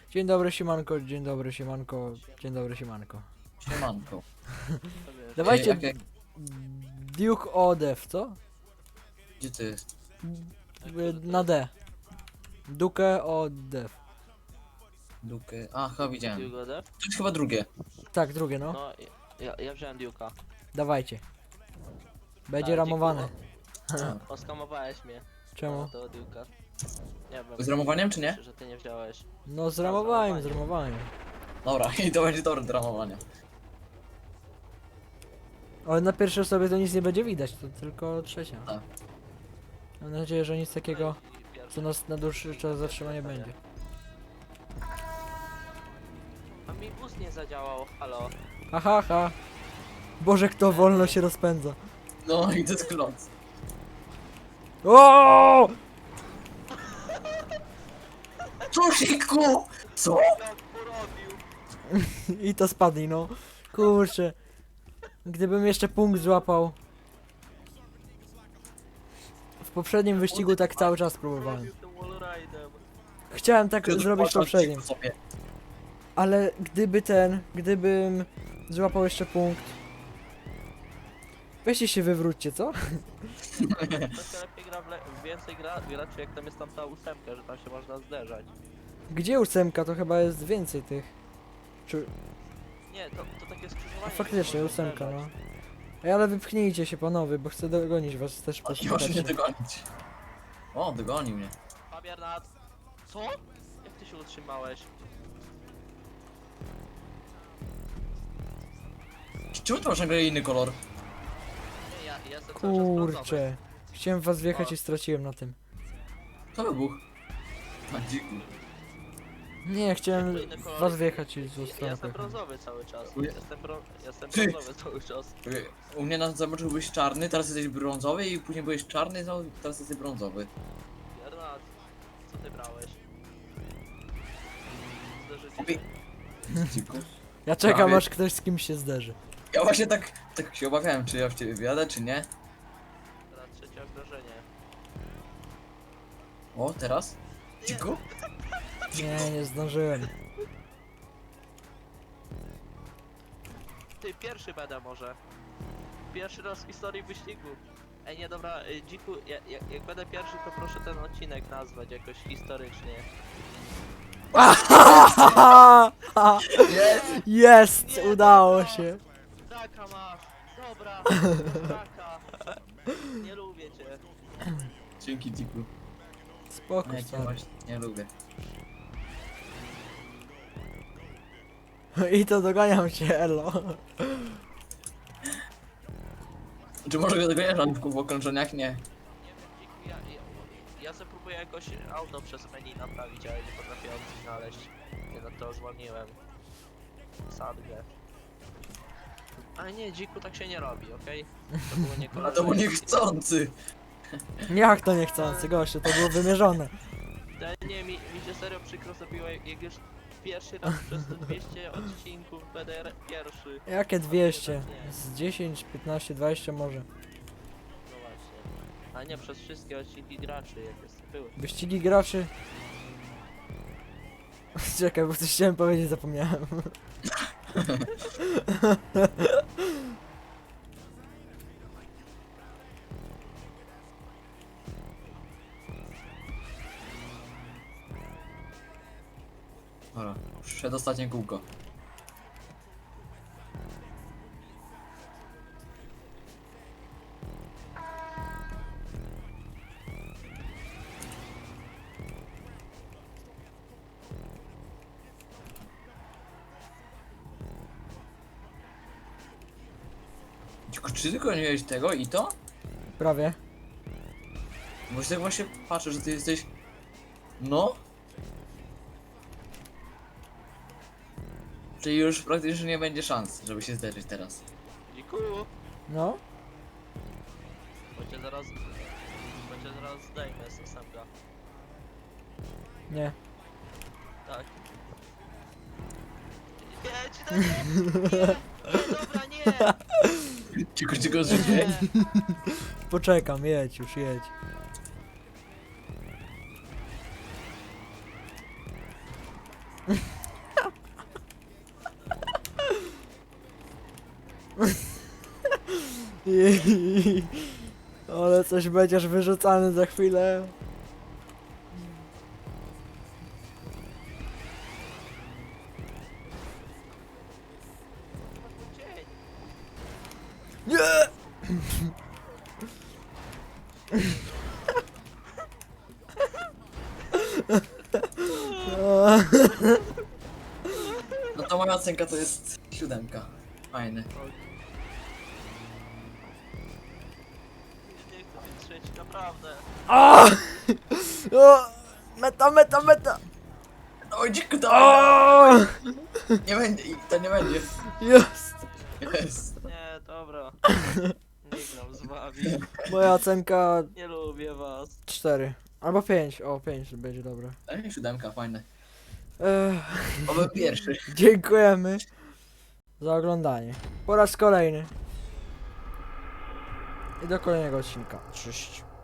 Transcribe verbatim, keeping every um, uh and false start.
Dzień dobry, siemanko, dzień dobry, siemanko, dzień dobry, siemanko. Siemanko. Dawajcie jak- jak- Duke Odev, co? Gdzie to jest? Y, Na D. Duke Odev. Duke. A, chyba widziałem. Duke'a, To jest chyba drugie. Tak, drugie no. No, ja, ja wziąłem Duke'a. Dawajcie. Będzie Tak, ramowane. dziękuję. Oskamowałeś mnie. Czemu? Na tego Duke'a. Nie wiem. Z ramowaniem, czy nie? Że ty nie wziąłeś. No zramowałem, zramowałem. Dobra, i to będzie dobre do ramowania. Ale na pierwszej osobie to nic nie będzie widać, to tylko trzecia. Tak. Mam nadzieję, że nic takiego, Pierwszy. co nas na dłuższy czas zatrzyma nie będzie. A mi bus nie zadziałał, halo. Ha ha ha. Boże, kto wolno się rozpędza. No i to jest kląc. O! Co siku? Co? Jak porobił? I to spadli, no. Kurczę. Gdybym jeszcze punkt złapał. W poprzednim wyścigu tak cały czas próbowałem. Porobił tym wallride'em. Chciałem tak zrobić w poprzednim. Sobie. Ale gdyby ten, gdybym złapał jeszcze punkt. Weźcie się wywróćcie, co? To się lepiej gra w le więcej gra, graczy jak tam jest tam ta ósemka, że tam się można zderzać. Gdzie ósemka? To chyba jest więcej tych. Czy... Nie, to, to takie A skrzyżowanie. faktycznie, gdzie można ósemka, zderzać. no. Ej, ale wypchnijcie się panowie, bo chcę dogonić was też po Nie może mnie dogonić. O, dogonił mnie. Fabianat. Co? Jak ty się utrzymałeś? Czemu to masz nagle inny kolor? Nie, ja, ja jestem cały czas brązowy. Kurczę. Chciałem w was wjechać O. i straciłem na tym. To wybuch. Na dziku. Nie, chciałem Inny w kolor. was wjechać i z Ja, tą ja stronę jestem pojechałem. brązowy cały czas. Uj. Jestem, brą jestem Ty. brązowy cały czas. U mnie na zobaczył byłeś czarny, teraz jesteś brązowy i później byłeś czarny, znowu teraz jesteś brązowy. Bernard, co ty brałeś? Zderzycie Kupi- się. Dziku. Ja czekam Prawie. aż ktoś z kimś się zderzy. Ja właśnie tak, tak się obawiałem, czy ja w ciebie wjadę, czy nie. Teraz trzecie okrążenie. O, teraz? Dziku? Nie, nie zdążyłem. Ty, pierwszy będę może. Pierwszy raz w historii wyścigu. Ej, nie dobra, y, dziku, ja, ja, jak będę pierwszy, to proszę ten odcinek nazwać jakoś historycznie. Jest! Jest! Nie, Udało dobra. się. Raka masz! Dobra, raka! Nie lubię cię. Dzięki Dziku. Spoko, Ja cię stary. właśnie nie lubię. I to doganiam cię, elo. Czy może go dogoniesz Anówku w okrążeniach? Nie. Nie wiem, dziku, ja, ja, ja sobie próbuję jakoś auto przez menu naprawić, ale nie potrafię opcji znaleźć. Nie, no to zwolniłem. Sadgę. Ale nie, dziku, tak się nie robi, okej? To było A to był niekorzystne. niechcący. Jak to niechcący, gościu, to było wymierzone. Ale nie, mi, mi się serio przykro zrobiło, jak jak już pierwszy raz przez te dwieście odcinków będę re- pierwszy. Jakie dwieście? Z dziesięć, piętnaście, dwadzieścia może. No właśnie. A nie przez wszystkie odcinki graczy, jak jest, były. Wyścigi graczy. Czekaj, bo coś chciałem powiedzieć, zapomniałem. Dobra, przedostatnie kółko. Dziku, czy tylko nie miałeś tego i to? Prawie. Bo się tak właśnie patrzę, że ty jesteś... No? Czyli już praktycznie nie będzie szans, żeby się zderzyć teraz. Dziku, No. bo cię zaraz... Bo cię zaraz zdejmę z ósemka. Nie. Tak. Nie, ci to nie! Nie! Nie, dobra, nie! Dziku, dziku, życie. Nie! Poczekam, jedź już, jedź. I- Ale coś będziesz wyrzucany za chwilę. Dzień. Nie! No to moja ocenka to jest siódemka. Fajne. Nie chcę być trzeci, naprawdę. O! O! Meta, meta, meta! Oj, dziku, to O! nie będzie, to nie będzie. Jest! Jest. Nie, dobra. Nie gram z wami. Moja ocenka Nie lubię was. cztery. Albo pięć. O, pięć będzie dobre. Ej, siódemka, fajne. Ech, Oby pierwszy. dziękujemy za oglądanie. Po raz kolejny. I do kolejnego odcinka. Cześć.